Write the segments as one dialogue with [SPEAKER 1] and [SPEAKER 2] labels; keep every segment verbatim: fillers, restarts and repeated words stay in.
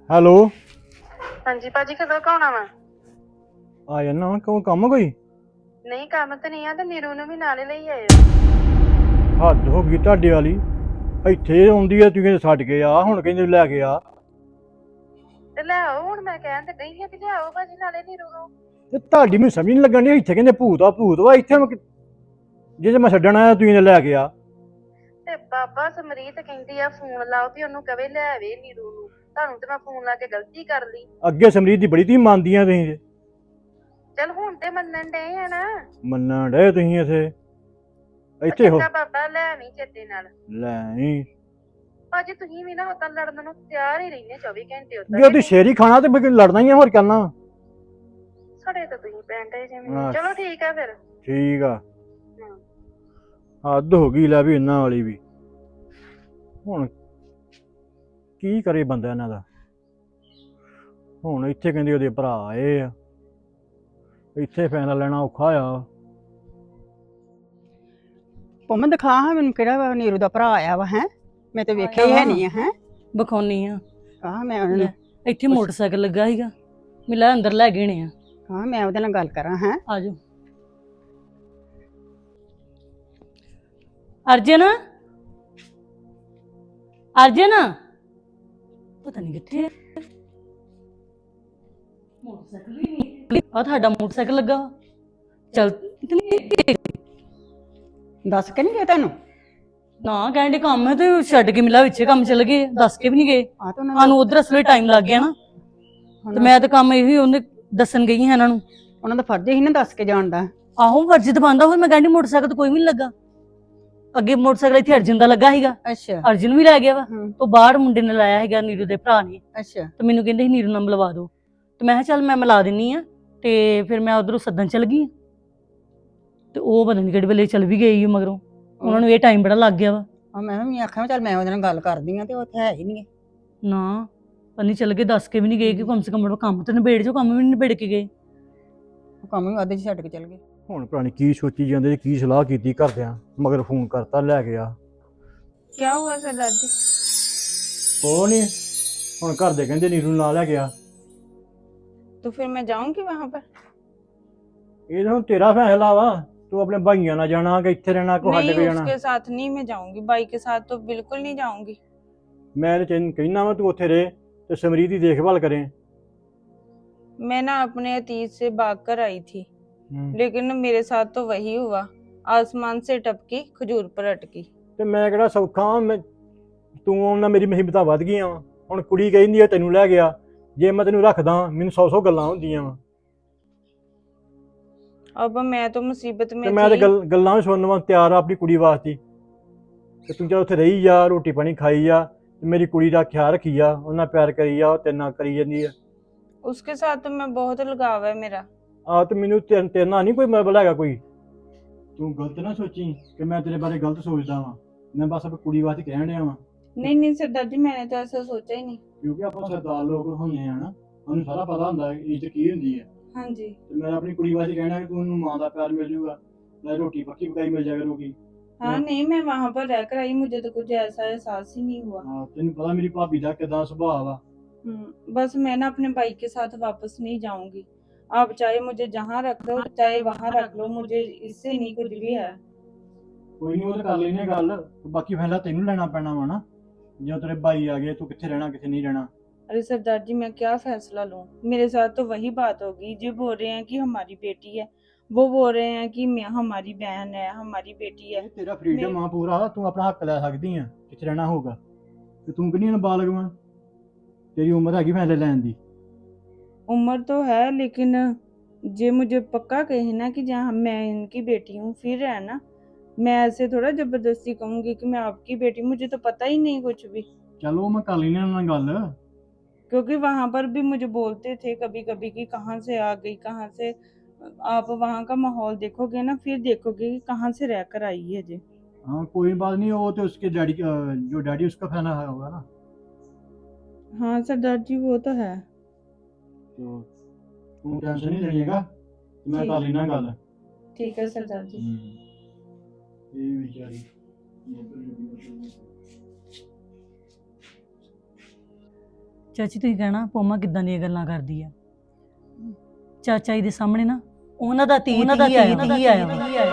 [SPEAKER 1] Hello.
[SPEAKER 2] ਹਾਂਜੀ ਭਾਜੀ ਕਦੋਂ ਕੁ ਆਉਣਾ ਵਾ?
[SPEAKER 1] ਆ ਜਾਨਾ ਵਾ, ਕਿਉਂ ਕੰਮ ਕੋਈ?
[SPEAKER 2] ਨਹੀਂ ਕੰਮ ਤੇ ਨਹੀਂ ਆ ਤੇ ਨੀਰੂ ਨੂੰ ਵੀ ਨਾਲੇ ਲਈ ਆਇਓ।
[SPEAKER 1] ਹੱਦ ਹੋ ਗਈ ਤੁਹਾਡੇ ਵਾਲੀ। ਇੱਥੇ ਆਉਂਦੀ ਆ, ਤੂੰ ਕਹਿੰਦੇ ਛੱਡ ਕੇ ਆ, ਹੁਣ ਕਹਿੰਦੇ ਲੈ ਕੇ ਆ।
[SPEAKER 2] ਤੇ ਲੈ ਆਓ, ਹੁਣ ਮੈਂ ਕਹਿਣ ਤੇ ਡਈ ਆ ਵੀ ਲਿਆਓ ਭਾਜੀ ਨਾਲੇ ਨੀਰੂ ਨੂੰ।
[SPEAKER 1] ਤੇ ਤੁਹਾਡੀ ਮੈਨੂੰ ਸਮਝ ਨਹੀਂ ਲੱਗਣ ਡਈ, ਇੱਥੇ ਕਹਿੰਦੇ ਭੂਤ ਆ ਭੂਤ ਵਾ, ਇੱਥੇ ਮੈਂ ਕਿ- ਜੇ ਮੈਂ ਛੱਡਣ ਆਇਆ ਤੂੰ ਕਹਿੰਦੇ ਲੈ ਕੇ ਆ।
[SPEAKER 2] ਤੇ ਬਾਬਾ ਸਮਰੀਤ ਕਹਿੰਦੀ ਆ ਫੋਨ ਲਾਓ ਵੀ ਉਹਨੂੰ ਕਵੇ ਲੈ ਆਵੇ ਨੀਰੂ ਨੂੰ। ਤੁਹਾਨੂੰ ਤੇ ਮੈਂ ਫੋਨ ਲਾ ਕੇ ਗਲਤੀ ਕਰ ਲਈ।
[SPEAKER 1] ਅੱਗੇ ਸਮਰੀਤ ਦੀ ਬੜੀ ਤੁਸੀਂ ਮੰਨਦੀਆਂ ਤੁਸੀਂ ਤੇ।
[SPEAKER 2] ਚਲ ਹੁਣ ਤੇ ਮੰਨਣ ਡਏ ਆ ਨਾ।
[SPEAKER 1] ਮੰਨਣ ਡੇ ਤੁਸੀਂ ਇੱਥੇ
[SPEAKER 2] ਉਹ
[SPEAKER 1] ਇੱਥੇ ਹੋ।
[SPEAKER 2] ਚੰਗਾ ਬਾਬਾ ਲੈ ਆਵੀਂ ਚੇਤੇ ਨਾਲ।
[SPEAKER 1] ਲੈ ਨਹੀਂ
[SPEAKER 2] ਭਾਜੀ ਤੁਸੀਂ ਵੀ ਨਾ ਉਦਾਂ ਲੜਨ ਨੂੰ ਤਿਆਰ ਹੀ ਰਹਿੰਦੇ ਚੌਵੀ ਘੰਟੇ
[SPEAKER 1] ਜੇ ਉਹਦੀ
[SPEAKER 2] ਉਦਾਂ।
[SPEAKER 1] ਸ਼ੇਰ ਹੀ ਖਾਣਾ ਤੇ ਫਿਰ ਲੜਨਾ ਹੀ ਆ, ਹੋਰ ਕਰਨਾ।
[SPEAKER 2] ਸਾਡੇ ਤਾਂ ਤੁਸੀਂ ਪੈਣ ਡਏ ਜਿਵੇਂ।
[SPEAKER 1] ਹਾਂ।
[SPEAKER 2] ਚਲੋ ਠੀਕ ਆ ਫਿਰ।
[SPEAKER 1] ਠੀਕ ਆ।
[SPEAKER 2] ਹਮ।
[SPEAKER 1] ਹੱਦ ਹੋ ਗਈ ਲੈ ਵੀ ਇਹਨਾਂ ਵਾਲੀ ਵੀ। ਹੁਣ ਕੀ ਕਰੇ ਬੰਦਾ ਇਹਨਾਂ ਦਾ। ਹੁਣ ਇੱਥੇ ਕਹਿੰਦੇ ਉਹਦੇ ਭਰਾ ਆਏ ਆ, ਇੱਥੇ ਫੈਸਲਾ ਲੈਣਾ ਔਖਾ ਆ।
[SPEAKER 3] ਪੰਮਾ ਦਿਖਾ ਹਾਂ ਮੈਨੂੰ ਕਿਹੜਾ ਵਾ ਨੀਰੂ ਦਾ ਭਰਾ ਆਇਆ ਵਾ। ਹੈ ਮੈਂ ਤੇ ਵੇਖਿਆ ਹੀ ਹੈ ਨਹੀਂ ਆ। ਹੈ
[SPEAKER 4] ਵਿਖਾਉਣੀ ਆ।
[SPEAKER 3] ਹਾਂ ਮੈਂ ਉਹਨੂੰ
[SPEAKER 4] ਇੱਥੇ ਮੋਟਰਸਾਈਕਲ ਲੱਗਾ ਸੀਗਾ, ਮਿਲਾ ਅੰਦਰ ਲੈ ਗਏ ਨੇ ਆ।
[SPEAKER 3] ਹਾਂ ਮੈਂ ਉਹਦੇ ਨਾਲ ਗੱਲ ਕਰਾਂ। ਹੈ
[SPEAKER 4] ਆਜੋ ਅਰਜਨ, ਅਰਜਨ ਪਤਾ ਨਹੀਂ ਕਿੱਥੇ ਆ। ਮੋਟਰਸਾਈਕਲ ਵੀ ਨਹੀਂ ਆ, ਤੁਹਾਡਾ ਮੋਟਰਸਾਈਕਲ ਲੱਗਾ ਵਾ। ਚੱਲ
[SPEAKER 3] ਦੱਸ ਕੇ ਨਹੀਂ ਗਏ ਤੈਨੂੰ?
[SPEAKER 4] ਨਾ ਕਹਿੰਦੇ ਕੰਮ ਹੈ ਤੇ ਛੱਡ ਕੇ ਮਿਲਾ ਵਿੱਚੇ ਕੰਮ ਚੱਲ ਗਏ, ਦੱਸ ਕੇ ਵੀ ਨਹੀਂ ਗਏ
[SPEAKER 3] ਆ ਤਾਂ ਉਹਨਾਂ
[SPEAKER 4] ਸਾਨੂੰ। ਉਧਰ ਅਸਲੇ ਟਾਈਮ ਲੱਗ ਗਿਆ ਨਾ, ਤੇ ਮੈਂ ਤਾਂ ਕੰਮ ਇਹੀ ਉਹਨੇ ਦੱਸਣ ਗਈ ਹਾਂ ਇਹਨਾਂ ਨੂੰ।
[SPEAKER 3] ਉਹਨਾਂ ਦਾ ਫਰਜ਼ ਹੀ ਨਾ ਦੱਸ ਕੇ ਜਾਣ ਦਾ।
[SPEAKER 4] ਆਹੋ ਫਰਜ਼ ਤਾਂ ਬਣਦਾ ਹੋਵੇ। ਮੈਂ ਕਹਿੰਦੀ ਮੋਟਰਸਾਈਕਲ ਤਾਂ ਕੋਈ ਵੀ ਨਹੀਂ ਲੱਗਾ। ਅੱਗੇ ਮੋਟਰਸਾਈਕਲ ਇੱਥੇ ਅਰਜਨ ਦਾ ਲੱਗਾ ਸੀਗਾ,
[SPEAKER 3] ਅੱਛਾ
[SPEAKER 4] ਅਰਜਨ ਵੀ ਲੈ ਗਿਆ ਵਾ।
[SPEAKER 3] ਹੂੰ
[SPEAKER 4] ਤੋਂ ਬਾਹਰ ਮੁੰਡੇ ਨੇ ਲਾਇਆ ਹੈਗਾ, ਨੀਰੂ ਦੇ ਭਰਾ ਨੇ।
[SPEAKER 3] ਅੱਛਾ
[SPEAKER 4] ਤੇ ਮੈਨੂੰ ਕਹਿੰਦੇ ਸੀ ਨੀਰੂ ਨਾਲ ਮਿਲਵਾ ਦਿਓ, ਤੇ ਮੈਂ ਕਿਹਾ ਚੱਲ ਮੈਂ ਮਿਲਾ ਦਿੰਨੀ ਆ। ਤੇ ਫਿਰ ਮੈਂ ਉਧਰੋਂ ਸੱਦਣ ਚੱਲ ਗਈ, ਤੇ ਉਹ ਪਤਾ ਨਹੀਂ ਕਿਹੜੇ ਵੇਲੇ ਚੱਲ ਵੀ ਗਈ ਮਗਰੋਂ। ਉਹਨਾਂ ਨੂੰ ਇਹ ਟਾਈਮ ਬੜਾ ਲੱਗ ਗਿਆ ਵਾ।
[SPEAKER 3] ਆ ਮੈਂ ਵੀ ਆਖਿਆ ਚੱਲ ਮੈਂ ਉਹਦੇ ਨਾਲ ਗੱਲ ਕਰਦੀ ਆ, ਤੇ ਉਹ ਉੱਥੇ ਹੈ ਹੀ ਨਹੀਂ।
[SPEAKER 4] ਨਾ ਪੰਨੀ ਚੱਲ ਗਏ, ਦੱਸ ਕੇ ਵੀ ਨਹੀਂ ਗਏ ਕਿ ਕਮ ਸੇ ਕਮ ਕੰਮ ਤੇ ਨਿਬੇੜ ਜੋ, ਕੰਮ ਵੀ ਨਹੀਂ ਨਿਬੇੜ ਕੇ ਗਏ।
[SPEAKER 3] ਉਹ ਕੰਮ ਵੀ ਵਾਧੇ ਚ ਛੱਡ ਕੇ ਚੱਲ ਗਏ।
[SPEAKER 1] ਹੁਣ ਪੁਰਾਣੀ ਕੀ ਸੋਚੀ ਜਾਂਦੇ, ਕੀ ਸਲਾਹ ਕੀਤੀ ਘਰਦਿਆਂ, ਮਗਰ ਫੋਨ ਕਰਤਾ ਲੈ ਗਿਆ।
[SPEAKER 2] ਕੀ ਹੁਆ ਸਰਦਾਰ ਜੀ?
[SPEAKER 1] ਉਹ ਨਹੀਂ, ਹੁਣ ਘਰ ਦੇ ਕਹਿੰਦੇ ਨੀਰੂ ਨੂੰ ਨਾਲ ਲੈ ਗਿਆ।
[SPEAKER 2] तो फिर मैं जाऊंगी वहां पर?
[SPEAKER 1] ਇਹ ਤਾਂ ਹੁਣ ਤੇਰਾ ਫੈਸਲਾ ਵਾ, ਤੂੰ ਆਪਣੇ ਭਾਈਆਂ ਨਾਲ ਜਾਣਾ ਕਿ ਇੱਥੇ ਰਹਿਣਾ, ਕੋ ਹੱਡ
[SPEAKER 2] नहीं,
[SPEAKER 1] ਕੇ ਜਾਣਾ।
[SPEAKER 2] उसके साथ नहीं मैं जाऊंगी, बाई के साथ तो बिल्कुल नहीं जाऊंगी।
[SPEAKER 1] ਮੈਂ ਤੇ ਤੈਨੂੰ ਕਹਿਣਾ ਵਾ ਤੂੰ ਉੱਥੇ ਰਹੇ ਤੇ ਸਮਰੀਤ ਦੀ ਦੇਖਭਾਲ ਕਰੇ।
[SPEAKER 2] मैं ना अपने अतीत से भाग कर आई थी, लेकिन मेरे साथ तो वही हुआ, आसमान से टपकी खजूर पर अटकी।
[SPEAKER 1] ਤੇ ਮੈਂ ਕਿਹੜਾ ਸੌਖਾ ਵਾਂ, ਮੈਂ ਤੂੰ ਉਹਨਾਂ ਮੇਰੀ ਮੁਸੀਬਤਾਂ ਵੱਧ ਗਈਆਂ ਵਾ। ਹੁਣ ਕੁੜੀ ਕਹਿੰਦੀ ਆ ਤੈਨੂੰ ਲੈ ਗਿਆ, ਜੇ ਮੈਂ ਤੈਨੂੰ ਰੱਖਦਾ ਮੈਨੂੰ ਸੌ ਸੌ ਗੱਲਾਂ ਹੁੰਦੀਆਂ ਵਾ।
[SPEAKER 2] अब मैं तो मुसीबत में
[SPEAKER 1] ਤੇ ਮੈਂ ਤੇ
[SPEAKER 2] थी।
[SPEAKER 1] ਗੱਲ ਗੱਲਾਂ ਵੀ ਸੁਣਨ ਵਾਂ ਤਿਆਰ ਆ ਆਪਣੀ ਕੁੜੀ ਵਾਸਤੇ। ਤੇ ਤੂੰ ਚੱਲ ਉੱਥੇ ਰਹੀ ਜਾ, ਰੋਟੀ ਪਾਣੀ ਖਾਈ ਜਾ, ਤੇ ਮੇਰੀ ਕੁੜੀ ਦਾ ਖਿਆਲ ਰੱਖੀ ਜਾ, ਉਹਨਾਂ ਪਿਆਰ ਕਰੀ ਜਾ, ਉਹ ਤੇਰੇ ਨਾਲ ਕਰੀ ਜਾਂਦੀ ਆ।
[SPEAKER 2] उसके साथ तो मैं बहुत लगाव है मेरा।
[SPEAKER 1] ਆ ਤੇ ਮੈਨੂੰ ਤੇਰੇ ਤੇਰੇ ਨਾਲ ਨਹੀਂ ਕੋਈ ਮਤਲਬ ਹੈਗਾ ਕੋਈ। ਤੂੰ ਗਲਤ ਨਾ ਸੋਚੀ ਕਿ ਮੈਂ ਤੇਰੇ ਬਾਰੇ ਗਲਤ ਸੋਚਦਾ ਵਾਂ। ਮੈਂ ਬਸ ਆਪਣੀ ਕੁੜੀ ਵਾਸਤੇ ਕਹਿਣ ਡਿਆ ਵਾਂ,
[SPEAKER 2] नहीं नहीं सरदार जी, मैंने तो ऐसा सोचा ही नहीं।
[SPEAKER 1] ਕਿਉਂਕਿ ਆਪਾਂ ਸਰਦਾਰ ਲੋਕ ਹੁੰਦੇ ਆ ਨਾ, ਸਾਨੂੰ ਸਾਰਾ ਪਤਾ ਹੁੰਦਾ ਹੈ ਇੱਜ਼ਤ ਕੀ ਹੁੰਦੀ ਹੈ।
[SPEAKER 2] हाँ जी।
[SPEAKER 1] ਤੇ ਮੈਂ ਆਪਣੀ ਕੁੜੀ ਵਾਸਤੇ ਕਹਿਣਾ ਕਿ ਤੂੰ ਉਹਨੂੰ ਮਾਂ ਦਾ ਪਿਆਰ ਮਿਲ ਜੂਗਾ, ਨਾਲੇ ਰੋਟੀ ਪੱਕੀ ਪਕਾਈ ਮਿਲ ਜਾਇਆ ਕਰੂਗੀ।
[SPEAKER 2] हाँ नहीं, मैं वहां पर रहकर आई, मुझे तो कुछ ऐसा एहसास ही नहीं हुआ।
[SPEAKER 1] ਹਾਂ ਤੈਨੂੰ ਪਤਾ ਮੇਰੀ ਭਾਬੀ ਦਾ ਕਿਦਾਂ ਸੁਭਾਅ ਵਾ।
[SPEAKER 2] हम्म, बस मैं ना अपने भाई के साथ वापस नहीं जाऊंगी। आप चाहे मुझे जहाँ रख लो, चाहे वहाँ रख लो, मुझे इससे नहीं कुछ भी है।
[SPEAKER 1] ਕੋਈ ਨਹੀਂ ਉਹ ਤਾਂ ਕਰ ਲੈਨੇ ਗੱਲ, ਬਾਕੀ ਫੈਸਲਾ ਤੈਨੂੰ ਲੈਣਾ ਪੈਣਾ ਵਾ ਨਾ। ਜਦੋਂ ਤੇਰੇ ਭਾਈ ਆ ਗਏ ਤੂੰ ਕਿੱਥੇ ਰਹਿਣਾ ਕਿੱਥੇ ਨਹੀਂ ਰਹਿਣਾ।
[SPEAKER 2] अरे सरदार जी, मैं क्या फैसला लूं? मेरे साथ तो वही बात होगी। जो बोल रहे हैं कि हमारी बेटी है, वो बोल रहे हैं कि मैं हमारी बहन है, हमारी बेटी है।
[SPEAKER 1] ਇਹ ਤੇਰਾ ਫਰੀडम ਆ ਪੂਰਾ, ਤੂੰ ਆਪਣਾ ਹੱਕ ਲੈ ਸਕਦੀ ਆ ਕਿੱਥੇ ਰਹਿਣਾ ਹੋਊਗਾ। ਤੇ ਤੂੰ ਕਿੰਨੀ ਨਾਬਾਲਗ ਵਾ, ਤੇਰੀ ਉਮਰ ਹੈਗੀ ਫੈਸਲੇ ਲੈਣ ਦੀ।
[SPEAKER 2] उम्र तो है, लेकिन जे मुझे पक्का कहे ना कि जहाँ मैं इनकी बेटी हूँ, फिर है ना, मैं ऐसे थोड़ा जबरदस्ती कहूंगी कि मैं आपकी बेटी, मुझे तो पता ही नहीं कुछ भी।
[SPEAKER 1] ਚਲੋ ਮੈਂ ਕਰ ਲੈਨੇ ਉਹਨਾਂ ਨਾਲ ਗੱਲ।
[SPEAKER 2] क्योंकि वहां पर भी मुझे बोलते थे कभी कभी कि कहाँ से आ गई, कहाँ से। आप वहाँ का माहौल देखोगे ना, फिर देखोगे कि कहाँ से रहकर आई है जी।
[SPEAKER 1] हाँ कोई बात नहीं, वो तो उसके डैडी जो डैडी उसका फैसला होगा ना।
[SPEAKER 2] हाँ सरदार जी, वो तो है।
[SPEAKER 1] तो तू टेंशन नहीं लेगा, मैं कर लेना गल।
[SPEAKER 2] ठीक है सरदार जी।
[SPEAKER 1] ये बेचारी
[SPEAKER 4] ਚਾਚੀ ਤੁਸੀਂ ਕਹਿਣਾ ਪੋਮਾ ਕਿੱਦਾਂ ਦੀਆਂ ਗੱਲਾਂ ਕਰਦੀ ਆ। ਚਾਚਾ ਜੀ ਦੇ ਸਾਹਮਣੇ ਨਾ ਉਹਨਾਂ ਦਾ ਤੀ ਉਹਨਾਂ ਦਾ ਤੀ ਆਇਆ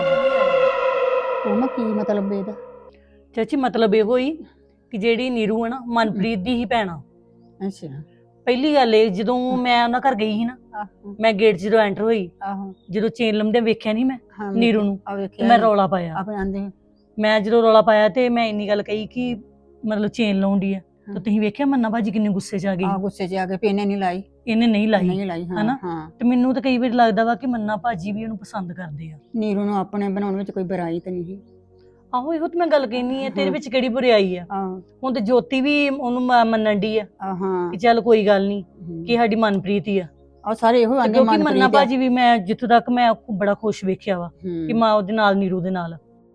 [SPEAKER 3] ਉਹ ਮੈਂ ਕੀ ਮਤਲਬ ਇਹਦਾ?
[SPEAKER 4] ਚਾਚੀ ਮਤਲਬ ਇਹੋ ਹੀ ਕਿ ਜਿਹੜੀ ਨੀਰੂ ਹੈ ਨਾ ਮਨਪ੍ਰੀਤ ਦੀ ਹੀ ਭੈਣ ਆ।
[SPEAKER 3] ਅੱਛਾ।
[SPEAKER 4] ਪਹਿਲੀ ਗੱਲ ਇਹ ਜਦੋਂ ਮੈਂ ਉਹਨਾਂ ਘਰ ਗਈ ਸੀ ਨਾ,
[SPEAKER 3] ਆਹੋ
[SPEAKER 4] ਮੈਂ ਗੇਟ 'ਚ ਜਦੋਂ ਐਂਟਰ ਹੋਈ,
[SPEAKER 3] ਆਹੋ
[SPEAKER 4] ਜਦੋਂ ਚੇਨ ਲੰਮਦੇ ਵੇਖਿਆ ਨਹੀਂ ਮੈਂ
[SPEAKER 3] ਹਾਂ
[SPEAKER 4] ਨੀਰੂ ਨੂੰ,
[SPEAKER 3] ਆ
[SPEAKER 4] ਤੇ
[SPEAKER 3] ਵੇਖਿਆ
[SPEAKER 4] ਮੈਂ ਰੌਲਾ ਪਾਇਆ।
[SPEAKER 3] ਆਪੇ ਆਂਦੇ
[SPEAKER 4] ਮੈਂ ਜਦੋਂ ਰੌਲਾ ਪਾਇਆ ਤੇ ਮੈਂ ਇੰਨੀ ਗੱਲ ਕਹੀ ਕਿ ਮਤਲਬ ਚੇਨ ਲਾਉਂਦੀ ਆ,
[SPEAKER 3] ਹਾਂ।
[SPEAKER 4] ਤੇ ਤੁਸੀਂ ਵੇਖਿਆ ਮੰਨਾ ਭਾਜੀ ਕਿੰਨੇ ਗੁੱਸੇ 'ਚ ਆ
[SPEAKER 3] ਆ
[SPEAKER 4] ਗਈ।
[SPEAKER 3] ਗੁੱਸੇ 'ਚ ਆ ਕੇ ਪੇਨੇ ਨਹੀਂ ਲਾਈ
[SPEAKER 4] ਇਹਨੇ ਨਹੀਂ ਲਾਈ
[SPEAKER 3] ਨਹੀਂ ਲਾਈ ਹਾਂ
[SPEAKER 4] ਹਨਾ?
[SPEAKER 3] ਹਾਂ।
[SPEAKER 4] ਤੇ ਮੈਨੂੰ ਤਾਂ ਕਈ ਵਾਰ ਲੱਗਦਾ ਵਾ ਕਿ ਮੰਨਾ ਭਾਜੀ ਵੀ ਉਹਨੂੰ ਪਸੰਦ ਕਰਦੇ ਆ।
[SPEAKER 3] ਨੀਰੂ ਨੂੰ ਆਪਣੇ ਬਣਾਉਣ ਵਿੱਚ ਕੋਈ ਬੁਰਾਈ ਤਾਂ ਨਹੀਂ।
[SPEAKER 4] ਆਹੋ ਇਹੋ ਤਾਂ ਮੈਂ ਗੱਲ ਕਹਿਨੀ ਆ, ਤੇਰੇ
[SPEAKER 3] ਹਾਂ।
[SPEAKER 4] ਵਿੱਚ ਕਿਹੜੀ ਬੁਰਾਈ ਆ?
[SPEAKER 3] ਆਹ
[SPEAKER 4] ਹੁਣ ਤੇ ਜੋਤੀ ਵੀ ਉਹਨੂੰ ਮ- ਮੰਨਣ ਦੀ ਆ
[SPEAKER 3] ਆ ਹਾਂ
[SPEAKER 4] ਕਿ ਚੱਲ ਕੋਈ ਗੱਲ ਨਹੀਂ ਕਿ ਸਾਡੀ ਮਨਪ੍ਰੀਤ ਹੀ ਆ।
[SPEAKER 3] ਆ ਸਾਰੇ ਇਹੋ
[SPEAKER 4] ਤੇ
[SPEAKER 3] ਆਂਦੇ
[SPEAKER 4] ਕਿਉਂਕਿ ਮੰਨਾ
[SPEAKER 3] ਮਨਪ੍ਰੀਤ ਆ।
[SPEAKER 4] ਭਾਜੀ ਵੀ ਮੈਂ ਜਿੱਥੋਂ ਤੱਕ ਮੈਂ ਬੜਾ ਖੁਸ਼ ਵੇਖਿਆ ਵਾ
[SPEAKER 3] ਹੂੰ।
[SPEAKER 4] ਕਿ ਮਾਂ ਉਹਦੇ ਨਾਲ ਨੀਰੂ ਦੇ ਨਾਲ।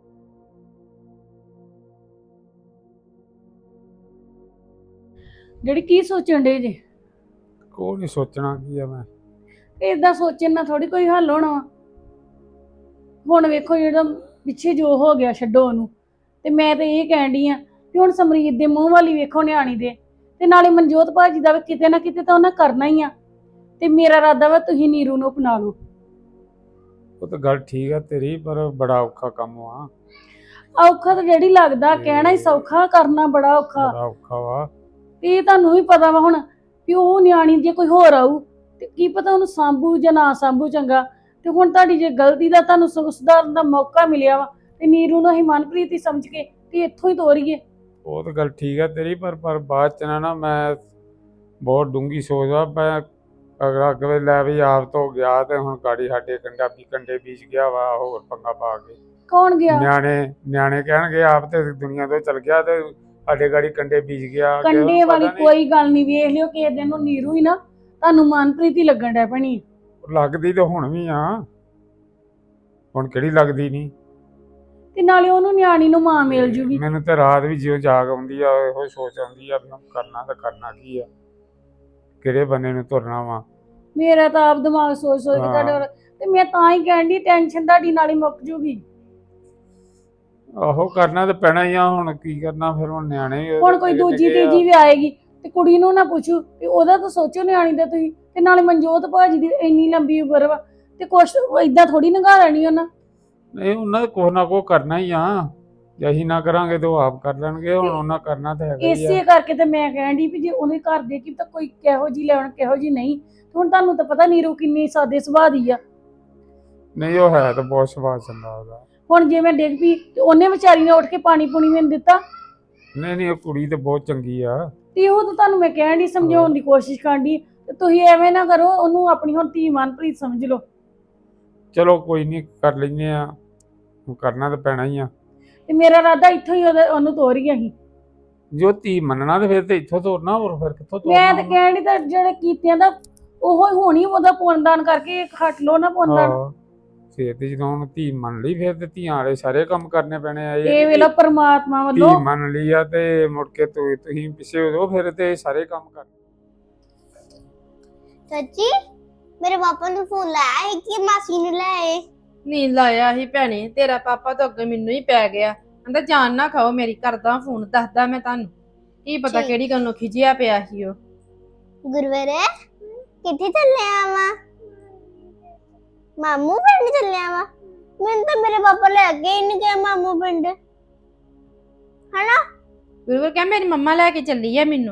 [SPEAKER 5] ਜਿਹੜੀ ਕੀ ਸੋਚਣ ਡੇ ਜੇ?
[SPEAKER 6] ਕੋਈ ਨਹੀਂ ਸੋਚਣਾ ਕੀ ਆ ਮੈਂ।
[SPEAKER 5] ਏਦਾਂ ਸੋਚਣ ਨਾਲ ਥੋੜੀ ਕੋਈ ਹੱਲ ਹੋਣਾ ਵਾ। ਹੁਣ ਵੇਖੋ ਜਿਹੜਾ ਪਿੱਛੇ ਜੋ ਹੋ ਗਿਆ ਛੱਡੋ ਉਹਨੂੰ। ਤੇ ਮੈਂ ਤਾਂ ਇਹ ਕਹਿਣ ਡਈ ਆ ਵੀ ਹੁਣ ਸਮਰੀਤ ਦੇ ਮੂੰਹ ਵਾਲੀ ਵੇਖੋ ਨਿਆਣੀ ਦੇ, ਤੇ ਨਾਲੇ ਮਨਜੋਤ ਭਾਜੀ ਦਾ ਵੀ ਕਿਤੇ ਨਾ ਕਿਤੇ ਤਾਂ ਉਹਨਾਂ ਕਰਨਾ ਹੀ ਆ। ਤੇ ਮੇਰਾ ਇਰਾਦਾ ਵਾ ਤੁਸੀਂ ਨੀਰੂ ਨੂੰ ਅਪਣਾ ਲਓ।
[SPEAKER 6] ਉਹ ਤਾਂ ਗੱਲ ਠੀਕ ਆ ਤੇਰੀ, ਪਰ ਬੜਾ ਔਖਾ ਕੰਮ ਆ।
[SPEAKER 5] ਔਖਾ ਤਾਂ ਜਿਹੜੀ ਲੱਗਦਾ, ਕਹਿਣਾ ਹੀ ਸੌਖਾ, ਕਰਨਾ ਬੜਾ ਔਖਾ।
[SPEAKER 6] ਬੜਾ ਔਖਾ ਵਾ।
[SPEAKER 5] ਇਹ ਤੁਹਾਨੂੰ ਵੀ ਪਤਾ ਵਾ ਹੁਣ ਵੀ ਉਹ ਨਿਆਣੀ ਜੇ ਕੋਈ ਹੋਰ ਆਊ ਤੇ ਕੀ ਪਤਾ ਉਹਨੂੰ ਸਾਂਭੂ ਜਾਂ ਨਾ ਸਾਂਭੂ ਚੰਗਾ। ਤੇ ਹੁਣ ਤੁਹਾਡੀ ਜੇ ਗਲਤੀ ਦਾ ਤੁਹਾਨੂੰ ਸੁ- ਸੁਧਾਰਨ ਦਾ ਮੌਕਾ ਮਿਲਿਆ ਵਾ, ਤੇ ਨੀਰੂ ਨੂੰ ਅਸੀਂ ਮਨਪ੍ਰੀਤ ਹੀ ਸਮਝ ਕੇ ਤੇ ਇੱਥੋਂ ਹੀ ਤੋਰੀਏ।
[SPEAKER 6] ਉਹ ਤਾਂ ਗੱਲ ਠੀਕ ਆ ਤੇਰੀ, ਪਰ ਪਰ ਬਾਅਦ ਚ ਨਾ ਨਾ ਮੈਂ ਬਹੁਤ ਡੂੰਗੀ ਸੋਚਦਾ। ਮੈਂ ਅਗਰ ਅਗਲੇ ਲੈ ਵੀ ਆਪ ਤੋਂ ਗਿਆ ਤੇ ਹੁਣ ਗਾੜੀ ਸਾਡੇ ਕੰਡਾ ਵੀ ਕੰਡੇ ਬੀਜ ਗਿਆ ਵਾ ਹੋਰ ਪੰਗਾ ਪਾ ਕੇ।
[SPEAKER 5] ਕੌਣ ਗਿਆ?
[SPEAKER 6] ਨਿਆਣੇ ਨਿਆਣੇ ਕਹਿਣਗੇ ਆਪ ਤੇ ਦੁਨੀਆ ਤੋਂ ਚਲ ਗਿਆ ਤੇ ਸਾਡੇ ਗਾੜੀ ਕੰਡੇ ਬੀਜ ਗਿਆ। ਕਿਸੇ
[SPEAKER 5] ਕੰਡੇ
[SPEAKER 6] ਨੂੰ
[SPEAKER 5] ਵਾਲੀ
[SPEAKER 6] ਪਤਾ ਨੀ।
[SPEAKER 5] ਕੋਈ ਗੱਲ ਨਹੀਂ, ਵੇਖ ਲਿਓ ਕਿਸੇ ਦਿਨ ਨੂੰ ਨੀਰੂ ਹੀ ਨਾ ਤੁਹਾਨੂੰ ਮਨਪ੍ਰੀਤ ਹੀ ਲੱਗਣ ਡੈ ਪੈਣੀ।
[SPEAKER 6] ਲੱਗਦੀ ਤਾਂ ਹੁਣ ਵੀ ਆ, ਹੁਣ ਕਿਹੜੀ ਲੱਗਦੀ ਨਹੀਂ।
[SPEAKER 5] ਤੇ ਨਾਲੇ ਉਹਨੂੰ ਨਿਆਣੀ ਨੂੰ ਮਾਂ ਮਿਲ ਜੂਗੀ।
[SPEAKER 6] ਮੈਨੂੰ ਤੇ ਰਾਤ ਵੀ ਜਿਉਂ ਜਾਗ ਆਉਂਦੀ ਆ, ਇਹੋ ਸੋਚ ਆਉਂਦੀ ਆ ਵੀ ਹੁਣ ਕਰਨਾ ਤਾਂ ਕਰਨਾ ਕੀ ਆ, ਕਿਹੜੇ ਬੰਨੇ ਨੂੰ ਤੁਰਨਾ ਵਾ।
[SPEAKER 5] ਮੇਰਾ ਤਾਂ ਆਪ ਦਿਮਾਗ ਸੋਚ ਸੋਚ ਕੇ ਤੁਹਾਡੇ ਵੱਲ- ਤੇ ਮੈਂ ਤਾਂ ਹੀ ਕਹਿਣ ਦੀ ਟੈਨਸ਼ਨ ਤੁਹਾਡੀ ਨਾਲ ਹੀ ਮੁੱਕ ਜੂਗੀ।
[SPEAKER 6] ਆਹੋ ਕਰਨਾ ਤਾਂ ਪੈਣਾ ਹੀ ਆ, ਹੁਣ ਕੀ ਕਰਨਾ ਫਿਰ। ਹੁਣ ਨਿਆਣੇ ਵੀ
[SPEAKER 5] ਹੁਣ ਕੋਈ ਦੂਜੀ ਤੀਜੀ ਵੀ ਆਏਗੀ ਤੇ ਕੁੜੀ ਨੂੰ ਨਾ ਪੁੱਛੂ ਵੀ ਉਹਦਾ ਤਾਂ ਸੋਚੋ ਨਿਆਣੀ ਦਾ ਤੁਸੀਂ। ਤੇ ਨਾਲੇ ਮਨਜੋਤ ਭਾਜੀ ਦੀ ਇੰਨੀ ਲੰਬੀ ਉਮਰ ਵਾ ਤੇ ਕੁਛ ਏਦਾਂ ਥੋੜੀ ਲੰਘਾ ਲੈਣੀ ਉਹਨਾਂ।
[SPEAKER 6] ਨਹੀਂ ਉਹਨਾਂ ਦਾ ਕੁਛ ਨਾ ਕੁਛ ਕਰਨਾ ਹੀ ਆ, ਜੇ ਅਸੀਂ ਨਾ ਕਰਾਂਗੇ ਤਾਂ ਉਹ ਆਪ ਕਰ ਲੈਣਗੇ। ਹੁਣ ਉਹਨਾਂ ਕਰਨਾ ਤਾਂ ਹੈਗਾ ਹੀ
[SPEAKER 5] ਇਸੇ
[SPEAKER 6] ਆ।
[SPEAKER 5] ਕਰਕੇ ਤੇ ਮੈਂ ਕਹਿਣ ਦੀ ਵੀ ਜੇ ਉਹਦੇ ਘਰ ਦੇ ਕੀ ਤਾਂ ਕੋਈ ਕਿਹੋ ਜੀ ਲੈਣ ਕਿਹੋ ਜੀ ਨਹੀਂ। ਤੇ ਹੁਣ ਤੁਹਾਨੂੰ ਤਾਂ ਪਤਾ ਨੀਰੂ ਕਿੰਨੀ ਸਾਦੇ ਸੁਭਾਅ ਦੀ ਆ।
[SPEAKER 6] ਨਹੀਂ ਉਹ ਹੈ ਤਾਂ ਬਹੁਤ ਸੁਭਾਅ ਚੰਗਾ ਉਹਦਾ।
[SPEAKER 5] ਹੁਣ ਜੇ ਮੈਂ ਡਿੱਗ ਪਈ ਤੇ ਉਹਨੇ ਵਿਚਾਰੀ ਨੇ ਉੱਠ ਕੇ ਪਾਣੀ ਪੂਣੀ ਮੈਨੂੰ ਦਿੱਤਾ।
[SPEAKER 6] ਨਹੀਂ ਨਹੀਂ ਉਹ ਕੁੜੀ ਤੇ ਬਹੁਤ ਚੰਗੀ ਆ।
[SPEAKER 5] ਤੇ ਉਹ ਤਾਂ ਤੁਹਾਨੂੰ ਮੈਂ ਕਹਿਣ ਦੀ ਸਮਝਾਉਣ ਦੀ ਕੋਸ਼ਿਸ਼ ਕਰਨ ਦੀ, ਤੇ ਤੁਸੀਂ ਐਵੇਂ ਨਾ ਕਰੋ, ਉਹਨੂੰ ਆਪਣੀ ਹੁਣ ਧੀ ਮਨਪ੍ਰੀਤ ਸਮਝ ਲਓ।
[SPEAKER 6] ਚਲੋ ਕੋਈ ਨਹੀਂ ਕਰ ਲੈਂਦੇ ਆ, ਹੁਣ ਕਰਨਾ ਤਾਂ ਪੈਣਾ ਹੀ ਆ।
[SPEAKER 5] ਤੇ ਮੇਰਾ ਇਰਾਦਾ ਇੱਥੋਂ ਹੀ ਉਹਦੇ- ਉਹਨੂੰ ਤੋਰੀਏ ਅਸੀਂ।
[SPEAKER 6] ਜੋ ਧੀ ਮੰਨਣਾ ਤੇ ਫਿਰ ਤੇ ਇੱਥੋਂ ਤੋਰਨਾ, ਹੋਰ ਫਿਰ ਕਿੱਥੋਂ ਤੋਰਨਾ।
[SPEAKER 5] ਮੈਂ ਤਾਂ ਕਹਿਣ ਦੀ ਤਾਂ ਜਿਹੜੇ ਕੀਤਿਆਂ ਦਾ ਉਹ ਹੀ ਹੋਣੀ, ਉਹਦਾ ਪੁੰਨਦਾਨ ਕਰਕੇ ਖੱਟ ਲੋ ਨਾ ਪੁੰਨਦਾਨ।
[SPEAKER 6] ਹਾਂ ਫਿਰ ਤੇ ਜਦੋਂ ਹੁਣ ਧੀ ਮੰਨ ਲਈ ਫਿਰ ਤੇ ਧੀਆਂ ਵਾਲੇ ਸਾਰੇ ਕੰਮ ਕਰਨੇ ਪੈਣੇ ਆ।
[SPEAKER 5] ਇਹ ਵੇਲਾ ਪਰਮਾਤਮਾ
[SPEAKER 6] ਧੀ
[SPEAKER 5] ਵੱਲੋਂ
[SPEAKER 6] ਮੰਨ ਲਈ ਆ ਤੇ ਮੁੜ ਕੇ ਤੂੰ ਤੁਸੀਂ ਪਿੱਛੇ ਹੋ ਜਾਓ ਫਿਰ ਤੇ ਸਾਰੇ ਕੰਮ ਕਰ।
[SPEAKER 7] ਚਾਚੀ ਮੇਰੇ ਪਾਪਾ ਨੂੰ ਫੋਨ ਲਾਇਆ ਹੈ ਕਿ ਮਾਸੀ ਨੂੰ ਲੈ ਆਏ।
[SPEAKER 2] ਨਹੀਂ ਲਾਇਆ ਸੀ ਭੈਣੇ, ਤੇਰਾ ਪਾਪਾ ਤਾਂ ਅੱਗੇ ਮੈਨੂੰ ਹੀ ਪੈ ਗਿਆ। ਕਹਿੰਦਾ ਜਾਨ ਨਾ ਖਾਓ ਮੇਰੀ, ਕਰਦਾ ਫੋਨ, ਦੱਸਦਾ ਮੈਂ ਤੁਹਾਨੂੰ। ਕੀ ਪਤਾ
[SPEAKER 7] ਠੀਕ।
[SPEAKER 2] ਕਿਹੜੀ ਗੱਲੋਂ ਖਿਜਿਆ ਪਿਆ ਸੀ ਉਹ।
[SPEAKER 7] ਗੁਰਵਰੇ ਕਿੱਥੇ ਚੱਲਿਆ ਵਾ? ਮਾਮੂ ਪਿੰਡ ਚੱਲਿਆ ਵਾ? ਮੈਨੂੰ ਤਾਂ ਮੇਰੇ ਪਾਪਾ ਲੈ ਕੇ ਹੀ ਨਹੀਂ ਗਏ ਮਾਮੂ ਪਿੰਡ, ਹਨਾ?
[SPEAKER 2] ਗੁਰੂਵਰ ਕਹਿ ਮੇਰੀ ਮੰਮਾ ਲੈ ਕੇ ਚੱਲੀ ਆ ਮੈਨੂੰ।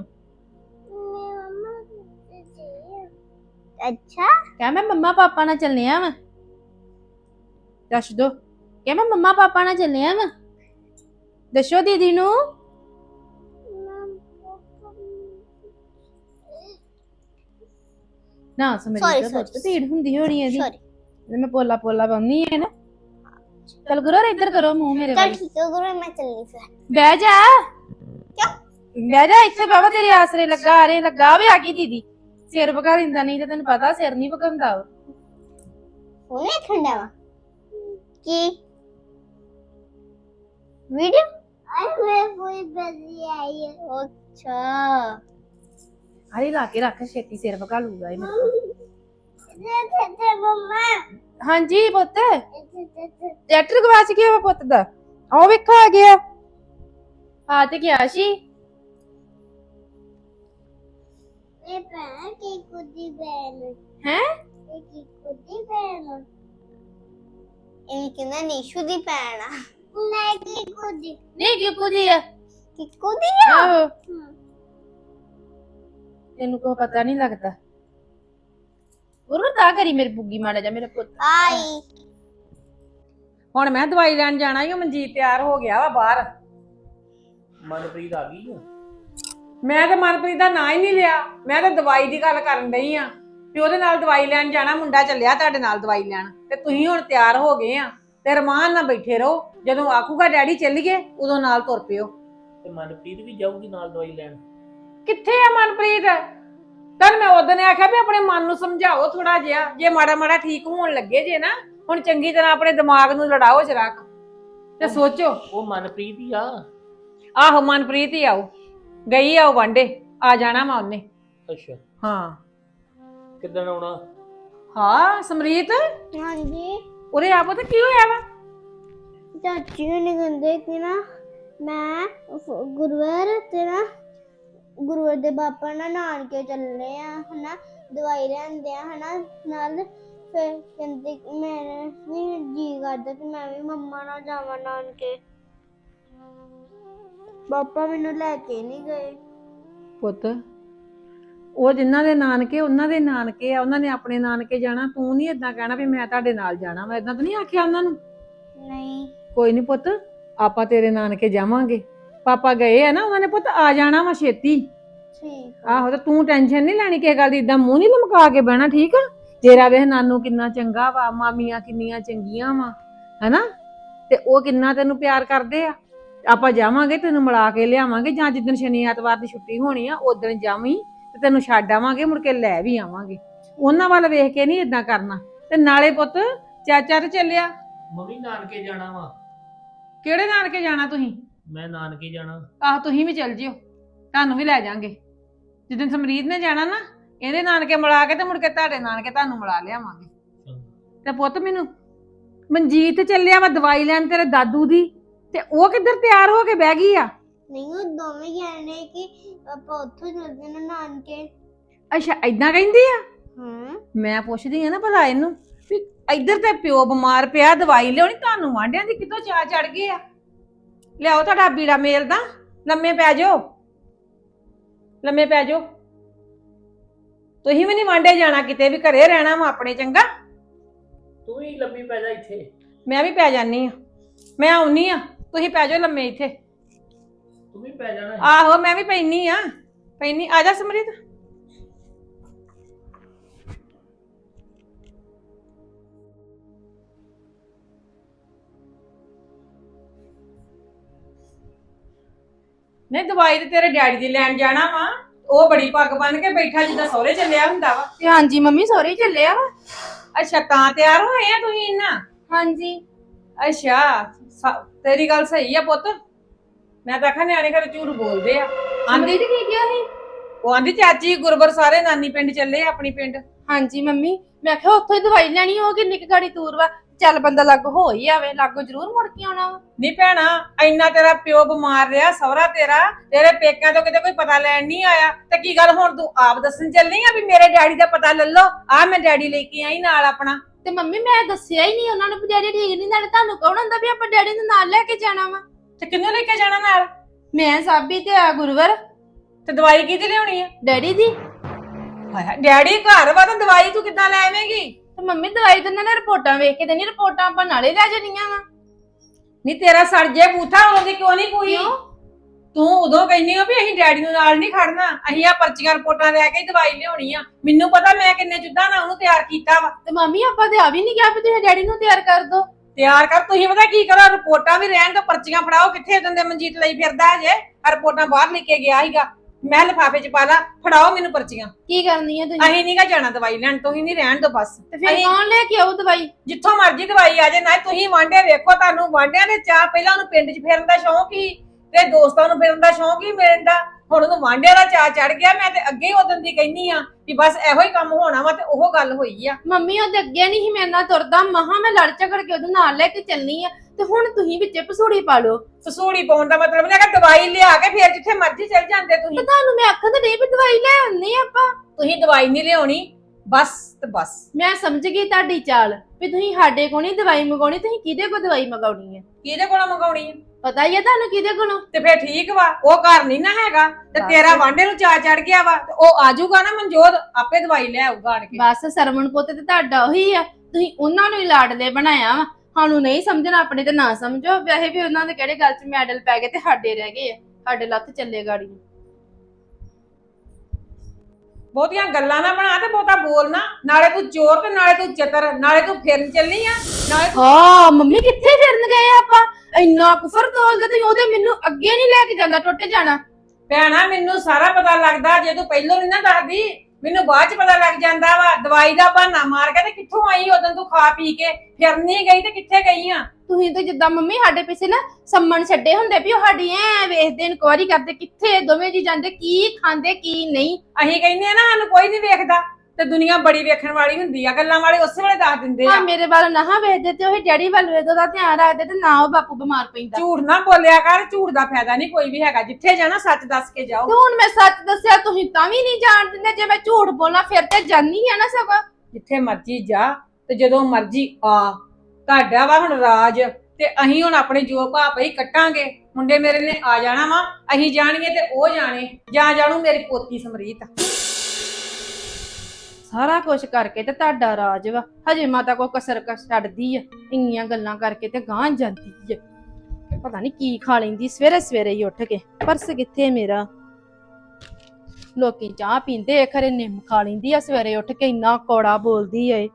[SPEAKER 7] ਅੱਛਾ
[SPEAKER 2] ਕਹਿ ਮੈਂ ਮੰਮਾ ਪਾਪਾ ਨਾਲ ਚੱਲਿਆ ਵਾ। ਦੱਸ ਦੋ। ਕਹਿ ਮੈਂ ਮੰਮਾ ਪਾਪਾ ਨਾਲ ਚੱਲਿਆ ਵਾ। ਦੱਸੋ ਦੀਦੀ ਨੂੰ। ਨਾ ਸਮਝ
[SPEAKER 7] Sorry,
[SPEAKER 2] ਤਾਂ ਬਹੁਤ
[SPEAKER 7] sorry.
[SPEAKER 2] ਭੀੜ ਹੁੰਦੀ ਹੋਣੀ ਇਹਦੀ।
[SPEAKER 7] ਸੌਰੀ।
[SPEAKER 2] ਜੇ ਮੈਂ ਪੋਲਾ ਪੋਲਾ ਬੰਨੀ ਹੈ ਨਾ। ਚੱਲ ਗੁਰੂ ਇੱਧਰ ਕਰੋ ਮੂੰਹ ਮੇਰੇ
[SPEAKER 7] ਚੱਲ
[SPEAKER 2] ਵੱਲ।
[SPEAKER 7] ਠੀਕ ਹੈ ਗੁਰੂ, ਮੈਂ ਚੱਲਣੀ ਫਿਰ।
[SPEAKER 2] ਬਹਿ ਜਾ।
[SPEAKER 7] ਕਿਉਂ?
[SPEAKER 2] ਬਹਿ ਜਾ ਇੱਥੇ ਬਾਬਾ, ਤੇਰੇ ਆਸਰੇ ਲੱਗਾ ਆ ਰੇ ਲੱਗਾ ਵੇ ਆ ਗਈ ਦੀਦੀ। ਸਿਰ ਭਗਾ ਦਿੰਦਾ, ਨਹੀਂ ਤੇ ਤੈਨੂੰ ਪਤਾ ਸਿਰ ਨਹੀਂ ਭਗਾਉਂਦਾ ਉਹ।
[SPEAKER 7] ਫੋਨ ਵੇਖਣ ਡਿਆ ਵਾ? ਕੀ ਵੀਡੀਓ? ਮੈਂ ਕੋਈ ਬਜ਼ੀ ਆਈ ਹੈ। ਅੱਛਾ
[SPEAKER 2] ਅਰੇ ਲਾ ਕੇ ਰੱਖ, ਛੇਤੀ ਸਿਰ ਭਗਾ ਲੂਗਾ ਇਹ ਮੇਰੇ ਕੋਲ।
[SPEAKER 7] ਤੇ ਮੰਮਾ
[SPEAKER 2] ਹਾਂਜੀ ਪੁੱਤ, ਟਰੈਕਟਰ ਗਵਾਚ ਗਿਆ ਵਾ ਪੁੱਤ ਦਾ। ਉਹ ਵੇਖੋ ਆ ਗਿਆ। ਆ ਤੇ ਗਿਆ ਸੀ।
[SPEAKER 7] ਇਹ ਭੈਣ ਕੀ ਕੁੱਦੀ ਭੈਣ
[SPEAKER 5] ਹੈ
[SPEAKER 7] ਇਹ ਕੀ ਕੁੱਦੀ ਭੈਣ ਇਹ ਕਹਿੰਦਾ ਨੀਸ਼ੂ ਦੀ ਭੈਣ ਆ ਨਹੀਂ ਕੀ ਕੁੱਦੀ
[SPEAKER 5] ਨਹੀਂ ਕਿ ਕੁਦੀ ਆ
[SPEAKER 7] ਕੀ ਕੁੱਦੀ ਆ
[SPEAKER 5] ਆਹੋ
[SPEAKER 7] ਹਮ।
[SPEAKER 5] ਤੈਨੂੰ ਕੋਈ ਪਤਾ ਨਹੀਂ ਲੱਗਦਾ ਗੁਰੂ ਤਾਂ ਕਰੀ ਮੇਰੀ ਬੁੱਗੀ ਮਾੜਾ ਜਾ ਮੇਰਾ ਪੁੱਤ
[SPEAKER 7] ਆਈ
[SPEAKER 2] ਹੁਣ ਮੈਂ ਦਵਾਈ ਲੈਣ ਜਾਣਾ ਈ ਓ ਮਨਜੀਤ ਤਿਆਰ ਹੋ ਗਿਆ ਵਾ ਬਾਹਰ।
[SPEAKER 8] ਮਨਪ੍ਰੀਤ ਆ ਗਈ ਆ।
[SPEAKER 2] ਮੈਂ ਤੇ ਮਨਪ੍ਰੀਤ ਦਾ ਨਾਂ ਹੀ ਨਹੀਂ ਲਿਆ, ਮੈਂ ਤਾਂ ਦਵਾਈ ਦੀ ਗੱਲ ਕਰਨ ਡਈ ਆ ਵੀ ਉਹਦੇ ਨਾਲ ਦਵਾਈ ਲੈਣ ਜਾਣਾ, ਮੁੰਡਾ ਚੱਲਿਆ ਤੁਹਾਡੇ ਨਾਲ ਦਵਾਈ ਲੈਣ ਤੇ ਤੁਸੀਂ ਹੁਣ ਤਿਆਰ ਹੋ ਗਏ ਆ ਤੇ ਰਮਾਨ ਨਾਲ ਬੈਠੇ ਰਹੋ, ਜਦੋਂ ਆਖੂਗਾ ਡੈਡੀ ਚੱਲੀਏ ਉਦੋਂ ਨਾਲ ਤੁਰ ਪਿਓ।
[SPEAKER 8] ਤੇ ਮਨਪ੍ਰੀਤ ਵੀ ਜਾਊਗੀ ਨਾਲ ਦਵਾਈ ਲੈਣ।
[SPEAKER 2] ਕਿੱਥੇ ਆ ਮਨਪ੍ਰੀਤ? ਤਾਂ ਮੈਂ ਉਦੋਂ ਨੇ ਆਖਿਆ ਵੀ ਆਪਣੇ ਮਨ ਨੂੰ ਸਮਝਾਓ ਥੋੜਾ ਜਿਹਾ, ਜੇ ਮਾੜਾ ਮਾੜਾ ਠੀਕ ਹੋਣ ਲੱਗੇ ਜੇ ਨਾ ਹੁਣ ਚੰਗੀ ਤਰ੍ਹਾਂ ਆਪਣੇ ਦਿਮਾਗ ਨੂੰ ਲੜਾਓ ਜਰਾ ਤੇ ਸੋਚੋ।
[SPEAKER 8] ਉਹ ਮਨਪ੍ਰੀਤ ਹੀ ਆ।
[SPEAKER 2] ਆਹੋ ਮਨਪ੍ਰੀਤ ਹੀ ਆਓ, ਗਈ ਆ ਉਹ ਵਾਂਡੇ, ਆ ਜਾਣਾ ਵਾ ਉਹਨੇ।
[SPEAKER 8] ਅੱਛਾ
[SPEAKER 2] ਹਾਂ
[SPEAKER 8] ਕਿੱਦਣ ਆਉਣਾ?
[SPEAKER 2] ਹਾਂ ਸਮਰੀਤ
[SPEAKER 7] ਹਾਂਜੀ
[SPEAKER 2] ਉਰੇ ਆਪੋ ਤੇ ਕੀ ਹੋਇਆ ਵਾ?
[SPEAKER 7] ਚਾਚੀ ਨੇ ਕਹਿੰਦੇ ਕਿ ਨਾ ਮੈਂ ਫ- ਗੁਰੂਵਾਰ ਤੇ ਨਾ ਗੁਰੂਵਾਰ ਦੇ ਪਾਪਾ ਨਾਲ ਨਾਨਕੇ ਚੱਲੇ ਆ ਹਨਾ, ਦਵਾਈ ਲੈਂਦੇ ਆ ਹਨਾ ਨਾਲ। ਫਿਰ ਕਹਿੰਦੇ ਕਿ ਮੇਰੇ ਵੀ ਜੀ ਕਰਦਾ ਕਿ ਮੈਂ ਵੀ ਮੰਮਾ ਨਾਲ ਜਾਵਾਂ ਨਾਨਕੇ। ਪਾਪਾ ਮੈਨੂੰ ਲੈ ਕੇ ਨਹੀਂ ਗਏ।
[SPEAKER 2] ਪੁੱਤ ਉਹ ਜਿਨ੍ਹਾਂ ਦੇ ਨਾਨਕੇ ਉਹਨਾਂ ਦੇ ਨਾਨਕੇ ਆ, ਉਹਨਾਂ ਨੇ ਆਪਣੇ ਨਾਨਕੇ ਜਾਣਾ, ਤੂੰ ਨਹੀਂ ਏਦਾਂ ਕਹਿਣਾ ਵੀ ਮੈਂ ਤੁਹਾਡੇ ਨਾਲ ਜਾਣਾ। ਮੈਂ ਏਦਾਂ ਤਾਂ ਨਹੀਂ ਆਖਿਆ ਉਹਨਾਂ ਨੂੰ।
[SPEAKER 7] ਨਹੀਂ
[SPEAKER 2] ਕੋਈ ਨਹੀਂ ਪੁੱਤ, ਆਪਾਂ ਤੇਰੇ ਨਾਨਕੇ ਜਾਵਾਂਗੇ। ਪਾਪਾ ਗਏ ਆ ਨਾ, ਉਹਨਾਂ ਨੇ ਪੁੱਤ ਆ ਜਾਣਾ ਵਾ ਛੇਤੀ।
[SPEAKER 7] ਠੀਕ
[SPEAKER 2] ਆਹੋ ਤੇ ਤੂੰ ਟੈਨਸ਼ਨ ਨਹੀਂ ਲੈਣੀ ਕਿਸੇ ਗੱਲ ਦੀ, ਇਦਾਂ ਮੂੰਹ ਨਹੀਂ ਲਮਕਾ ਕੇ ਬਹਿਣਾ, ਠੀਕ ਆ? ਤੇਰਾ ਵੇਖ ਨਾਨੂ ਕਿੰਨਾ ਚੰਗਾ ਵਾ, ਮਾਮੀਆਂ ਕਿੰਨੀਆਂ ਚੰਗੀਆਂ ਵਾ ਹੈਨਾ, ਤੇ ਉਹ ਕਿੰਨਾ ਤੈਨੂੰ ਪਿਆਰ ਕਰਦੇ ਆ। ਆਪਾਂ ਜਾਵਾਂਗੇ, ਤੈਨੂੰ ਮਿਲਾ ਕੇ ਲਿਆਵਾਂਗੇ, ਜਾਂ ਜਿੱਦਣ ਸ਼ਨੀ ਐਤਵਾਰ ਦੀ ਛੁੱਟੀ ਹੋਣੀ ਆ ਉਦੋਂ ਜਾਵੀਂ ਤੇ ਤੈਨੂੰ ਛੱਡ ਆਵਾਂਗੇ, ਮੁੜ ਕੇ ਲੈ ਵੀ ਆਵਾਂਗੇ। ਉਹਨਾਂ ਵੱਲ ਵੇਖ ਕੇ ਨਹੀਂ ਏਦਾਂ ਕਰਨਾ। ਤੇ ਨਾਲੇ ਪੁੱਤ ਚਾਚਾ ਤੇ ਚੱਲਿਆ।
[SPEAKER 8] ਮੰਮੀ ਨਾਨਕੇ ਜਾਣਾ ਵਾ।
[SPEAKER 2] ਕਿਹੜੇ ਨਾਨਕੇ ਜਾਣਾ ਤੁਸੀਂ?
[SPEAKER 8] ਮੈਂ ਨਾਨਕੇ ਜਾਣਾ।
[SPEAKER 2] ਆਹ ਤੁਸੀਂ ਵੀ ਚੱਲ ਜਿਓ, ਤੁਹਾਨੂੰ ਵੀ ਲੈ ਜਾਾਂਗੇ। ਜਿੱਦਣ ਸਮਰੀਤ ਨੇ ਜਾਣਾ ਨਾ, ਇਹਦੇ ਨਾਨਕੇ ਮਿਲਾ ਕੇ ਤੇ ਮੁੜ ਕੇ ਤੁਹਾਡੇ ਨਾਨਕੇ ਤੁਹਾਨੂੰ ਮਿਲਾ ਲਿਆਵਾਂਗੇ। ਤੇ ਪੁੱਤ ਮੈਨੂੰ ਮਨਜੀਤ ਚੱਲਿਆ ਵਾ ਦਵਾਈ ਲੈਣ ਤੇਰੇ ਦਾਦੂ ਦੀ, ਤੇ ਉਹ ਕਿੱਧਰ ਤਿਆਰ ਹੋ ਕੇ ਬਹਿ ਗਈ ਆ?
[SPEAKER 7] ਨਹੀਂ ਉਹ ਦੋਵੇਂ ਕਹਿੰਦੇ ਕਿ ਆਪਾਂ ਉੱਥੋਂ ਚੱਲਦੇ ਨੇ ਨਾਨਕੇ।
[SPEAKER 2] ਅੱਛਾ ਏਦਾਂ ਕਹਿੰਦੀ ਆ?
[SPEAKER 7] ਹਾਂ
[SPEAKER 2] ਮੈਂ ਪੁੱਛਦੀ ਆ ਨਾ ਭਲਾ ਇਹਨੂੰ ਵੀ ਇੱਧਰ ਤੇ ਪਿਓ ਬਿਮਾਰ ਪਿਆ, ਦਵਾਈ ਲਿਆਉਣੀ, ਤੁਹਾਨੂੰ ਵਾਂਡਿਆਂ ਦੀ ਕਿੱਥੋਂ ਚਾਹ ਚੜ ਗਏ ਆ? ਲਿਆਓ ਤੁਹਾਡਾ ਬੀੜਾ ਮੇਲ ਦਾ, ਲੰਮੇ ਪੈ ਜਾਓ, ਲੰਮੇ ਪੈ ਜਾਓ। ਤੁਸੀਂ ਵੀ ਨਹੀਂ ਵਾਂਡੇ ਜਾਣਾ ਕਿਤੇ ਵੀ, ਘਰੇ ਰਹਿਣਾ ਵਾ ਆਪਣੇ, ਚੰਗਾ?
[SPEAKER 8] ਤੂੰ ਹੀ ਲੰਮੀ ਪੈ ਜਾ ਇੱਥੇ।
[SPEAKER 2] ਮੈਂ ਵੀ ਪੈ ਜਾਨੀ ਆ, ਮੈਂ ਆਉਣੀ ਆ, ਤੁਸੀਂ ਪੈ ਜਾਓ ਲੰਮੇ ਇੱਥੇ।
[SPEAKER 8] ਤੂੰ ਵੀ ਪੈ ਜਾਣਾ।
[SPEAKER 2] ਆਹੋ ਮੈਂ ਵੀ ਪੈਣੀ ਆ, ਪੈਣੀ। ਆ ਜਾ ਸਮਰੀਤ। ਨਹੀਂ ਦਵਾਈ ਤੇ ਤੇਰੇ ਡੈਡੀ ਦੀ ਲੈਣ ਜਾਣਾ ਵਾ, ਉਹ ਬੜੀ ਪੱਗ ਬੰਨ ਕੇ ਬੈਠਾ ਜਿੱਦਾਂ ਸਹੁਰੇ ਚੱਲਿਆ ਹੁੰਦਾ ਵਾ।
[SPEAKER 5] ਤੇ ਹਾਂਜੀ ਮੰਮੀ ਸਹੁਰੇ ਚੱਲਿਆ ਵਾ।
[SPEAKER 2] ਅੱਛਾ ਤਾਂ ਤਿਆਰ ਹੋਏ ਆ ਤੁਸੀਂ ਇੰਨਾ?
[SPEAKER 5] ਹਾਂਜੀ
[SPEAKER 2] ਅੱਛਾ ਸ- ਤੇਰੀ ਗੱਲ ਸਹੀ ਆ ਪੁੱਤ, ਮੈਂ ਤਾਂ ਆਖਿਆ ਨਿਆਣੇ ਘਰੇ ਝੂਠ ਬੋਲਦੇ ਆ। ਆਂਦੀ
[SPEAKER 5] ਸਮਰੀਤ ਕੀ ਕਿਹਾ ਸੀ?
[SPEAKER 2] ਉਹ ਆਂਦੀ ਚਾਚੀ ਗੁਰਬਰ ਸਾਰੇ ਨਾਨੀ ਪਿੰਡ ਚੱਲੇ ਆ, ਆਪਣੀ ਪਿੰਡ।
[SPEAKER 5] ਹਾਂਜੀ ਮੰਮੀ ਮੈਂ ਆਖਿਆ ਉੱਥੋਂ ਹੀ ਦਵਾਈ ਲੈਣੀ, ਹੋ ਕਿੰਨੀ ਕੁ ਗਾੜੀ ਦੂਰ ਵਾ, ਚੱਲ ਬੰਦਾ ਲੱਗ ਹੋ ਹੀ ਆਵੇ, ਲਾਗੋ ਜ਼ਰੂਰ ਮੁੜ ਕੇ ਆਉਣਾ ਵਾ।
[SPEAKER 2] ਨਹੀਂ ਭੈਣਾ, ਇੰਨਾ ਤੇਰਾ ਪਿਓ ਬਿਮਾਰ ਰਿਹਾ, ਸਹੁਰਾ ਤੇਰਾ ਤੇਰੇ ਪੇਕਿਆਂ ਤੋਂ ਕਿਤੇ ਕੋਈ ਪਤਾ ਲੈਣ ਨਹੀਂ ਆਇਆ, ਤੇ ਕੀ ਗੱਲ ਹੁਣ ਤੂੰ ਆਪ ਦੱਸਣ ਚੱਲੀ ਆ ਵੀ ਮੇਰੇ ਡੈਡੀ ਦਾ ਪਤਾ ਲੈ ਲਓ? ਆ ਮੈਂ ਡੈਡੀ ਲੈ ਕੇ ਆਈ ਨਾਲ ਆਪਣਾ।
[SPEAKER 5] ਤੇ ਮੰਮੀ ਮੈਂ ਦੱਸਿਆ ਹੀ ਨਹੀਂ ਉਹਨਾਂ ਨੂੰ ਵੀ ਡੈਡੀ ਠੀਕ ਨਹੀਂ, ਨਾਲੇ ਤੁਹਾਨੂੰ ਕੌਣ ਹੁੰਦਾ ਵੀ ਆਪਾਂ ਡੈਡੀ ਨੂੰ ਨਾਲ ਲੈ ਕੇ ਜਾਣਾ ਵਾ?
[SPEAKER 2] ਤੇ ਕਿੰਨੂੰ ਲੈ ਕੇ ਜਾਣਾ ਨਾਲ?
[SPEAKER 5] ਮੈਂ ਸਾਬੀ ਤੇ ਆ ਗੁਰਵਰ।
[SPEAKER 2] ਤੇ ਦਵਾਈ ਕਿਹਦੀ ਲਿਆਉਣੀ ਆ?
[SPEAKER 5] ਡੈਡੀ ਦੀ।
[SPEAKER 2] ਹਾਏ ਡੈਡੀ ਘਰ ਵਾ ਤਾਂ ਦਵਾਈ ਤੂੰ ਕਿੱਦਾਂ ਲੈ ਆਵੇਂਗੀ?
[SPEAKER 5] ਤੇ ਮੰਮੀ ਦਵਾਈ ਤਾਂ ਇਹਨਾਂ ਨੇ ਰਿਪੋਰਟਾਂ ਵੇਖ ਕੇ ਦੇਣੀ, ਰਿਪੋਰਟਾਂ ਆਪਾਂ ਨਾਲੇ ਲੈ ਜਾਣੀਆਂ ਵਾ।
[SPEAKER 2] ਨਹੀਂ ਤੇਰਾ ਸੜ ਜੇ ਬੂਥਾ ਉਦੋਂ ਦੀ ਕਿਉਂ ਨਹੀਂ ਕੋਈ? ਤੂੰ ਉਦੋਂ ਕਹਿੰਦੀ ਹੋ ਵੀ ਅਸੀਂ ਡੈਡੀ ਨੂੰ ਨਾਲ ਨਹੀਂ ਖੜਨਾ, ਅਸੀਂ ਆ ਪਰਚੀਆਂ ਰਿਪੋਰਟਾਂ ਲੈ ਕੇ ਹੀ ਦਵਾਈ ਲਿਆਉਣੀ ਆ। ਮੈਨੂੰ ਪਤਾ ਮੈਂ ਕਿੰਨੇ ਜੁੱਦਾਂ ਨਾਲ ਉਹਨੂੰ ਤਿਆਰ ਕੀਤਾ ਵਾ।
[SPEAKER 5] ਤੇ ਮੰਮੀ ਆਪਾਂ ਤੇ ਆ ਵੀ ਨਹੀਂ ਗਿਆ ਵੀ ਤੁਸੀਂ ਡੈਡੀ ਨੂੰ ਤਿਆਰ ਕਰ ਦੋ।
[SPEAKER 2] ਤਿਆਰ ਕਰ, ਤੁਸੀਂ ਪਤਾ ਕੀ ਕਰੋ, ਰਿਪੋਰਟਾਂ ਵੀ ਰਹਿਣ ਤੋਂ ਪਰਚੀਆਂ ਫੜਾਓ। ਕਿੱਥੇ ਉਦੋਂ ਦੇ ਮਨਜੀਤ ਲਈ ਫਿਰਦਾ ਜੇ, ਆ ਰਿਪੋਰਟਾਂ ਬਾਹਰ ਲੈ ਕੇ ਗਿਆ ਸੀਗਾ, ਮੈਂ ਲਿਫਾਫੇ ਚ ਪਾ ਲਾ, ਫੜਾਓ ਮੈਨੂੰ ਪਰਚੀਆਂ।
[SPEAKER 5] ਕੀ ਕਰਨੀ ਹੈ ਤੁਸੀਂ?
[SPEAKER 2] ਅਸੀਂ ਨਹੀਂ ਗਾ ਜਾਣਾ ਦਵਾਈ ਲੈਣ, ਤੁਸੀਂ ਨਹੀਂ ਰਹਿਣ ਦੋ ਬਸ।
[SPEAKER 5] ਤੇ ਫਿਰ
[SPEAKER 2] ਅਸੀਂ
[SPEAKER 5] ਕੌਣ ਲੈ ਕੇ ਆਊ ਦਵਾਈ?
[SPEAKER 2] ਜਿੱਥੋਂ ਮਰਜ਼ੀ ਦਵਾਈ ਆ ਜੇ ਨਾ, ਤੁਸੀਂ ਵਾਂਡੇ ਵੇਖੋ, ਤੁਹਾਨੂੰ ਵਾਂਡਿਆਂ ਦੇ ਚਾਹ, ਪਹਿਲਾਂ ਉਹਨੂੰ ਪਿੰਡ 'ਚ ਫਿਰਨ ਦਾ ਸ਼ੌਂਕ ਹੀ ਤੇ ਦੋਸਤਾਂ ਨੂੰ ਫਿਰਨ ਦਾ ਸ਼ੌਂਕ ਹੀ ਮਿਲਣ ਦਾ,
[SPEAKER 9] ਹੁਣ ਉਹਨੂੰ ਵਾਂਡਿਆਂ ਦਾ ਚਾਅ ਚੜ ਗਿਆ। ਮੈਂ ਤੇ ਅੱਗੇ ਹੀ ਉਦੋਂ ਦੀ ਕਹਿੰਦੀ ਆ ਵੀ ਬਸ ਇਹੋ ਹੀ ਕੰਮ ਹੋਣਾ ਵਾ, ਤੇ ਉਹ ਗੱਲ ਹੋਈ ਆ।
[SPEAKER 10] ਮੰਮੀ ਉਹਦੇ ਅੱਗੇ ਨਹੀਂ ਸੀ ਮੇਰੇ ਨਾਲ ਤੁਰਦਾ, ਮਹਾ ਮੈਂ ਲੜ ਝਗੜ ਕੇ ਉਹਦੇ ਨਾਲ ਲੈ ਕੇ ਚੱਲਣੀ ਆ, ਤੇ ਹੁਣ ਤੁਸੀਂ ਵਿੱਚੇ ਪਸੂੜੀ ਪਾ ਲਓ।
[SPEAKER 9] ਫਸੂੜੀ ਪਾਉਣ ਦਾ ਮਤਲਬ ਨਹੀਂ ਕਿ ਦਵਾਈ ਲਿਆ ਕੇ ਫਿਰ ਜਿੱਥੇ ਮਰਜ਼ੀ ਚਲ ਜਾਂਦੇ ਤੁਸੀਂ।
[SPEAKER 10] ਤੇ ਤੁਹਾਨੂੰ ਮੈਂ ਆਖਾਂ ਤੇ ਨਹੀਂ ਵੀ ਦਵਾਈ ਲੈ ਆਉਂਦੇ ਆਪਾਂ।
[SPEAKER 9] ਤੁਸੀਂ ਦਵਾਈ ਨਹੀਂ ਲਿਆਉਣੀ, ਬਸ ਤੇ ਬਸ।
[SPEAKER 10] ਮੈਂ ਸਮਝ ਗਈ ਤੁਹਾਡੀ ਚਾਲ ਵੀ ਤੁਸੀਂ ਸਾਡੇ ਕੋਲ ਨਹੀਂ ਦਵਾਈ ਮੰਗਾਉਣੀ, ਤੁਸੀਂ ਕਿਹਦੇ ਕੋਲ ਦਵਾਈ ਮੰਗਾਉਣੀ ਹੈ।
[SPEAKER 9] ਕਿਹਦੇ ਕੋਲੋਂ ਮੰਗਾਉਣੀ ਆ?
[SPEAKER 10] ਪਤਾ ਹੀ ਹੈ ਤੁਹਾਨੂੰ ਕਿਹਦੇ ਕੋਲੋਂ।
[SPEAKER 9] ਤੇ ਫਿਰ ਠੀਕ ਵਾ, ਉਹ ਘਰ ਨਹੀਂ ਨਾ ਹੈਗਾ ਤੇ
[SPEAKER 10] ਬਸ।
[SPEAKER 9] ਤੇਰਾ ਵਾਂਡੇ ਨੂੰ ਚਾਅ ਚੜ ਗਿਆ ਵਾ, ਤੇ ਉਹ ਆਜੂਗਾ ਨਾ ਮਨਜੋਤ, ਆਪੇ ਦਵਾਈ ਲੈ ਆਊਗਾ ਆਣ ਕੇ।
[SPEAKER 10] ਬਸ ਸਰਵਣ ਪੁੱਤ ਤੇ ਤੁਹਾਡਾ ਉਹੀ ਆ, ਤੁਸੀਂ ਉਹਨਾਂ ਨੂੰ ਹੀ ਲਾਡਲੇ ਬਣਾਇਆ ਵਾ। ਸਾਨੂੰ ਨਹੀਂ ਸਮਝਣਾ, ਆਪਣੇ ਤੇ ਨਾ ਸਮਝੋ। ਵੈਸੇ ਵੀ ਉਹਨਾਂ ਦੇ ਕਿਹੜੇ ਗੱਲ 'ਚ ਮੈਡਲ ਪੈ ਗਏ ਤੇ ਸਾਡੇ ਰਹਿ ਗਏ ਆ, ਸਾਡੇ ਲੱਥ ਚੱਲੇ ਗਾੜੀ ਨੂੰ।
[SPEAKER 9] ਬਹੁਤੀਆਂ ਗੱਲਾਂ ਨਾ ਬਣਾ ਤੇ ਬਹੁਤਾ ਬੋਲ ਨਾ। ਨਾਲੇ ਤੂੰ ਚੋਰ ਤੇ ਨਾਲੇ ਤੂੰ ਚਤਰ, ਨਾਲੇ ਤੂੰ ਫਿਰਨ ਚੱਲੀ ਆ, ਨਾਲੇ ਤੂੰ-
[SPEAKER 10] ਹਾਂ ਮੰਮੀ ਕਿੱਥੇ ਫਿਰਨ ਗਏ ਆਪਾਂ? ਇੰਨਾ ਕੁਫਰ ਤੋਲਦੇ ਤੁਸੀਂ, ਉਹਦੇ ਮੈਨੂੰ ਅੱਗੇ ਨਹੀਂ ਲੈ ਕੇ ਜਾਂਦਾ, ਟੁੱਟ ਜਾਣਾ।
[SPEAKER 9] ਭੈਣਾ ਮੈਨੂੰ ਸਾਰਾ ਪਤਾ ਲੱਗਦਾ, ਜੇ ਤੂੰ ਪਹਿਲੋਂ ਨਹੀਂ ਨਾ ਦੱਸਦੀ ਮੈਨੂੰ ਬਾਅਦ ਚ ਪਤਾ ਲੱਗ ਜਾਂਦਾ ਵਾ। ਦਵਾਈ ਦਾ ਬਹਾਨਾ ਮਾਰ ਕੇ ਤੇ ਕਿੱਥੋਂ ਆਈ ਉਦੋਂ ਤੂੰ ਖਾ ਪੀ ਕੇ? ਫਿਰਨ ਨਹੀਂ ਗਈ ਤੇ ਕਿੱਥੇ ਗਈ ਆ?
[SPEAKER 10] ਤੁਸੀਂ ਤਾਂ ਜਿੱਦਾਂ ਮੰਮੀ ਸਾਡੇ ਪਿੱਛੇ ਨਾ ਸੰਮਣ ਛੱਡੇ ਹੁੰਦੇ ਵੀ ਉਹ ਸਾਡੀ ਐ ਵੇਖਦੇ ਇਨਕੁਆਰੀ ਕਰਦੇ ਕਿੱਥੇ ਦੋਵੇਂ ਜੀ ਜਾਂਦੇ, ਕੀ ਖਾਂਦੇ ਕੀ ਨਹੀਂ।
[SPEAKER 9] ਅਸੀਂ ਕਹਿੰਦੇ ਆ ਨਾ ਸਾਨੂੰ ਕੋਈ ਨਹੀਂ ਵੇਖਦਾ, ਤੇ ਦੁਨੀਆ ਬੜੀ ਵੇਖਣ ਵਾਲੀ ਹੁੰਦੀ ਆ। ਗੱਲਾਂ ਵਾਲੇ ਉਸੇ ਵੇਲੇ ਦੱਸ ਦਿੰਦੇ ਆ।
[SPEAKER 10] ਹਾਂ ਮੇਰੇ ਵੱਲ ਨਾ ਵੇਖਦੇ ਤੇ ਉਹ ਡੈਡੀ ਵੱਲ ਵੇਖਦੇ ਦਾ ਧਿਆਨ ਰੱਖਦੇ ਤੇ ਨਾ ਉਹ ਬਾਪੂ ਬਿਮਾਰ ਪੈਂਦਾ।
[SPEAKER 9] ਝੂਠ ਨਾ ਬੋਲਿਆ ਕਰ, ਝੂਠ ਦਾ ਫਾਇਦਾ ਨਹੀਂ ਕੋਈ ਵੀ ਹੈਗਾ। ਜਿੱਥੇ ਜਾਣਾ ਸੱਚ ਦੱਸ ਕੇ ਜਾਓ।
[SPEAKER 10] ਤੇ ਹੁਣ ਮੈਂ ਸੱਚ ਦੱਸਿਆ, ਤੁਸੀਂ ਤਾਂ ਵੀ ਨਹੀਂ ਜਾਣ ਦਿੰਦੇ। ਜੇ ਮੈਂ ਝੂਠ ਬੋਲਾਂ ਫਿਰ ਤੇ ਜਾਨੀ ਆ ਨਾ ਸਗੋਂ।
[SPEAKER 9] ਜਿੱਥੇ ਮਰਜ਼ੀ ਜਾ ਤੇ ਜਦੋਂ ਮਰਜ਼ੀ ਆ, ਤੁਹਾਡਾ ਵਾ ਹੁਣ ਰਾਜ, ਤੇ ਅਸੀਂ ਹੁਣ ਆਪਣੇ ਜੋ ਭਾਪ ਹੀ ਕੱਟਾਂਗੇ। ਮੁੰਡੇ ਮੇਰੇ ਨੇ ਆ ਜਾਣਾ ਵਾ, ਅਸੀਂ ਜਾਣੀਏ ਤੇ ਉਹ ਜਾਣੇ। ਜਾਂ ਜਾਣੂ ਮੇਰੀ ਪੋਤੀ ਸਮਰੀਤ।
[SPEAKER 10] ਸਾਰਾ ਕੁਝ ਕਰਕੇ ਤੇ ਤੁਹਾਡਾ ਰਾਜ ਵਾ, ਹਜੇ ਮਾਤਾ ਕੋ ਕਸਰ ਕਸ ਛੱਡਦੀ ਆ। ਇੰਨੀਆਂ ਗੱਲਾਂ ਕਰਕੇ ਤੇ ਗਾਂ ਜਾਂਦੀ ਆ। ਪਤਾ ਨਹੀਂ ਕੀ ਖਾ ਲੈਂਦੀ ਸਵੇਰੇ ਸਵੇਰੇ ਹੀ ਉੱਠ ਕੇ। ਪਰਸ ਕਿੱਥੇ ਮੇਰਾ? ਲੋਕੀ ਚਾਹ ਪੀਂਦੇ ਖਰੇ ਨਿੰਮ ਖਾ ਲੈਂਦੀ ਆ ਸਵੇਰੇ ਉੱਠ ਕੇ, ਇੰਨਾ ਕੌੜਾ ਬੋਲਦੀ ਏ।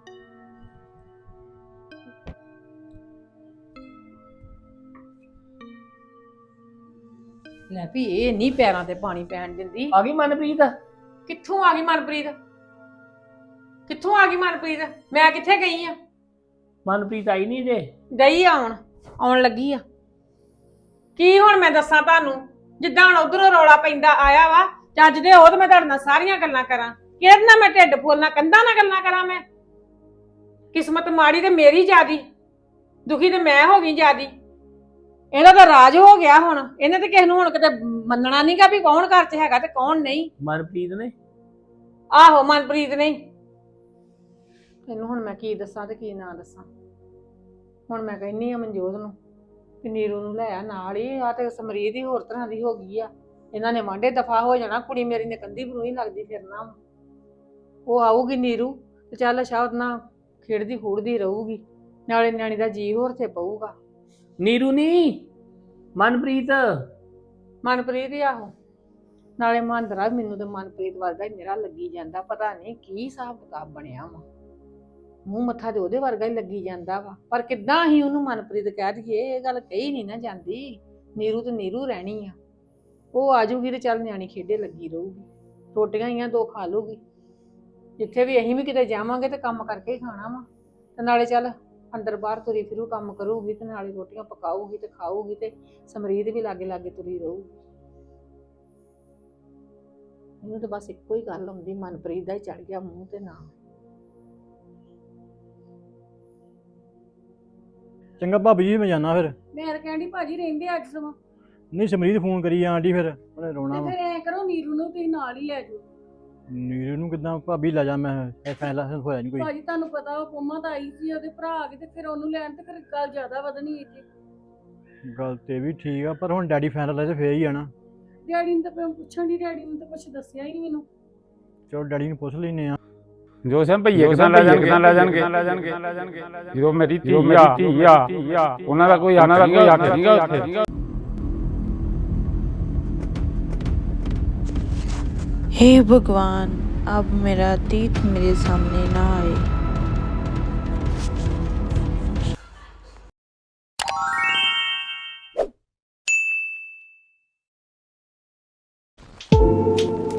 [SPEAKER 9] ਲੈ ਵੀ ਇਹ ਨਹੀਂ ਪੈਰਾਂ ਤੇ ਪਾਣੀ ਪੈਣ ਦਿੰਦੀ।
[SPEAKER 8] ਆ ਗਈ ਮਨਪ੍ਰੀਤ?
[SPEAKER 9] ਕਿੱਥੋਂ ਆ ਗਈ ਮਨਪ੍ਰੀਤ? ਕਿੱਥੋਂ ਆ ਗਈ ਮਨਪ੍ਰੀਤ? ਮੈਂ ਕਿੱਥੇ ਗਈ ਆ?
[SPEAKER 8] ਮਨਪ੍ਰੀਤ ਆਈ ਨਹੀਂ ਜੇ?
[SPEAKER 9] ਗਈ ਆਉਣ ਆਉਣ ਲੱਗੀ ਆ। ਕੀ ਹੁਣ ਮੈਂ ਦੱਸਾਂ ਤੁਹਾਨੂੰ? ਜਿੱਦਾਂ ਹੁਣ ਉਧਰੋਂ ਰੌਲਾ ਪੈਂਦਾ ਆਇਆ ਵਾ, ਚੱਜ ਦੇ ਹੋ ਤੇ ਮੈਂ ਤੁਹਾਡੇ ਨਾਲ ਸਾਰੀਆਂ ਗੱਲਾਂ ਕਰਾਂ। ਕਿਹਦੇ ਨਾਲ ਮੈਂ ਢਿੱਡ ਫੋਲਣਾ, ਕੰਧਾਂ ਨਾਲ ਗੱਲਾਂ ਕਰਾਂ ਮੈਂ? ਕਿਸਮਤ ਮਾੜੀ ਤੇ ਮੇਰੀ ਜਿਆਦੀ, ਦੁਖੀ ਤੇ ਮੈਂ ਹੋ ਗਈ ਜਿਆਦੀ। ਇਹਦਾ ਤਾਂ ਰਾਜ ਹੋ ਗਿਆ ਹੁਣ। ਇਹਨੇ ਤੇ ਕਿਸੇ ਨੂੰ ਹੁਣ ਕਿਤੇ ਮੰਨਣਾ ਨਹੀਂਗਾ ਵੀ ਕੌਣ ਘਰ 'ਚ ਹੈਗਾ ਤੇ ਕੌਣ ਨਹੀਂ।
[SPEAKER 8] ਮਨਪ੍ਰੀਤ ਨੇ?
[SPEAKER 9] ਆਹੋ ਮਨਪ੍ਰੀਤ ਨੇ। ਇਹਨੂੰ ਹੁਣ ਮੈਂ ਕੀ ਦੱਸਾਂ ਤੇ ਕੀ ਨਾ ਦੱਸਾਂ। ਹੁਣ ਮੈਂ ਕਹਿੰਨੀ ਆ ਮਨਜੋਤ ਨੂੰ ਕਿ ਨੀਰੂ ਨੂੰ ਲੈ ਆ ਨਾਲ ਹੀ। ਆ ਤੇ ਸਮਰੀਤ ਹੀ ਹੋਰ ਤਰ੍ਹਾਂ ਦੀ ਹੋ ਗਈ ਆ। ਇਹਨਾਂ ਨੇ ਵਾਂਢੇ ਦਫਾ ਹੋ ਜਾਣਾ। ਕੁੜੀ ਮੇਰੀ ਨੇ ਕੰਧੀ ਬਰੂਹੀ ਲੱਗਦੀ ਫਿਰਨਾ ਵਾ। ਉਹ ਆਊਗੀ ਨੀਰੂ ਤੇ ਚੱਲ ਅੱਛਾ ਉਹਦੇ ਨਾਲ ਖੇਡਦੀ ਖੂੜਦੀ ਰਹੂਗੀ, ਨਾਲੇ ਨਿਆਣੀ ਦਾ ਜੀ ਹੋਰ ਤੇ ਪਊਗਾ।
[SPEAKER 8] ਨੀਰੂ ਨਹੀਂ, ਮਨਪ੍ਰੀਤ।
[SPEAKER 9] ਮਨਪ੍ਰੀਤ ਹੀ ਆਹੋ। ਨਾਲੇ ਮਹਾਂਦਰਾ ਮੈਨੂੰ ਤੇ ਮਨਪ੍ਰੀਤ ਵਰਗਾ ਹੀ ਮੇਰਾ ਲੱਗੀ ਜਾਂਦਾ। ਪਤਾ ਨਹੀਂ ਕੀ ਹਿਸਾਬ ਕਿਤਾਬ ਬਣਿਆ ਵਾ। ਮੂੰਹ ਮੱਥਾ ਤੇ ਉਹਦੇ ਵਰਗਾ ਹੀ ਲੱਗੀ ਜਾਂਦਾ ਵਾ, ਪਰ ਕਿੱਦਾਂ ਅਸੀਂ ਉਹਨੂੰ ਮਨਪ੍ਰੀਤ ਕਹਿ ਦਈਏ? ਇਹ ਗੱਲ ਕਹੀ ਨਹੀਂ ਨਾ ਜਾਂਦੀ। ਨੀਰੂ ਤੇ ਨੀਰੂ ਰਹਿਣੀ ਆ। ਉਹ ਆਜੂਗੀ ਤੇ ਚੱਲ ਨਿਆਣੀ ਖੇਡੇ ਲੱਗੀ ਰਹੂਗੀ, ਰੋਟੀਆਂ ਹੀ ਆ ਦੋ ਖਾ ਲੂਗੀ। ਜਿੱਥੇ ਵੀ ਅਸੀਂ ਵੀ ਕਿਤੇ ਜਾਵਾਂਗੇ ਤੇ ਕੰਮ ਕਰਕੇ ਹੀ ਖਾਣਾ ਵਾ, ਤੇ ਨਾਲੇ ਚੱਲ ਅੰਦਰ ਬਾਹਰ ਤੁਰੀ ਫਿਰੂ ਕੰਮ ਕਰੂਗੀ, ਤੇ ਨਾਲੇ ਰੋਟੀਆਂ ਪਕਾਊਗੀ ਤੇ ਖਾਊਗੀ, ਤੇ ਸਮਰੀਤ ਵੀ ਲਾਗੇ ਲਾਗੇ ਤੁਰੀ ਰਹੂਗੀ। ਇਹਨੂੰ ਤਾਂ ਬਸ ਇੱਕੋ ਹੀ ਗੱਲ ਆਉਂਦੀ, ਮਨਪ੍ਰੀਤ ਦਾ ਹੀ ਚੜ ਗਿਆ ਮੂੰਹ ਤੇ ਨਾ।
[SPEAKER 1] ਚੰਗਾ ਭਾਬੀ ਜੀ, ਮੈਂ ਜਾਣਾ ਫਿਰ।
[SPEAKER 5] ਮੈਂ ਤਾਂ ਕਹਿੰਦੀ ਭਾਜੀ ਰਹਿੰਦੇ ਅੱਜ ਸਮਾਂ।
[SPEAKER 1] ਨਹੀਂ ਸਮਰੀਤ ਫੋਨ ਕਰੀ ਆਂਟੀ, ਫਿਰ ਉਹਨੇ ਰੋਣਾ
[SPEAKER 5] ਤੇ
[SPEAKER 1] ਵਾ।
[SPEAKER 5] ਫਿਰ ਐ ਕਰੋ ਨੀਰੂ ਨੂੰ ਤੁਸੀਂ ਨਾਲ ਹੀ ਲੈ ਜਾਓ।
[SPEAKER 1] ਨੀਰੂ ਨੂੰ ਕਿੱਦਾਂ ਭਾਬੀ ਲੈ ਜਾ? ਮੈਂ ਇਹ ਫੈਸਲਾ ਹੋਇਆ ਨਹੀਂ ਕੋਈ।
[SPEAKER 5] ਭਾਜੀ ਤੁਹਾਨੂੰ ਪਤਾ ਉਹ ਪੰਮਾ ਤਾਂ ਆਈ ਸੀ, ਉਹਦੇ ਭਰਾ ਆ ਗਏ ਤੇ ਫਿਰ ਉਹਨੂੰ ਲੈਣ ਤੇ ਫਿਰ ਗੱਲ ਜ਼ਿਆਦਾ ਵਧਣੀ ਇੱਥੇ।
[SPEAKER 1] ਗੱਲ ਤੇ ਵੀ ਠੀਕ ਆ, ਪਰ ਹੁਣ ਡੈਡੀ ਫੈਸਲਾ ਲੈ ਤੇ ਫੇਰ ਹੀ ਆ ਨਾ।
[SPEAKER 5] ਡੈਡੀ ਨੂੰ ਤਾਂ ਮੈਂ ਪੁੱਛਣ ਦੀ, ਡੈਡੀ ਨੂੰ ਤਾਂ ਕੁਝ ਦੱਸਿਆ ਹੀ ਨਹੀਂ ਮੈਨੂੰ।
[SPEAKER 1] ਚਲੋ ਡੈਡੀ ਨੂੰ ਪੁੱਛ ਲੈਨੇ ਆ।
[SPEAKER 6] ਜੋ ਸਮ ਭਈਏ ਕਿਦਾਂ ਲੈ ਜਾਣਗੇ ਲੈ ਜਾਣਗੇ ਲੈ ਜਾਣਗੇ ਜਦੋਂ ਮੇਰੀ ਧੀ ਆ ਉਹਨਾਂ ਦਾ ਕੋਈ ਉਹਨਾਂ ਦਾ ਕੋਈ ਹੱਕ ਨਹੀਂਗਾ ਉੱਥੇ।
[SPEAKER 11] हे भगवान, अब मेरा अतीत मेरे सामने ना आए।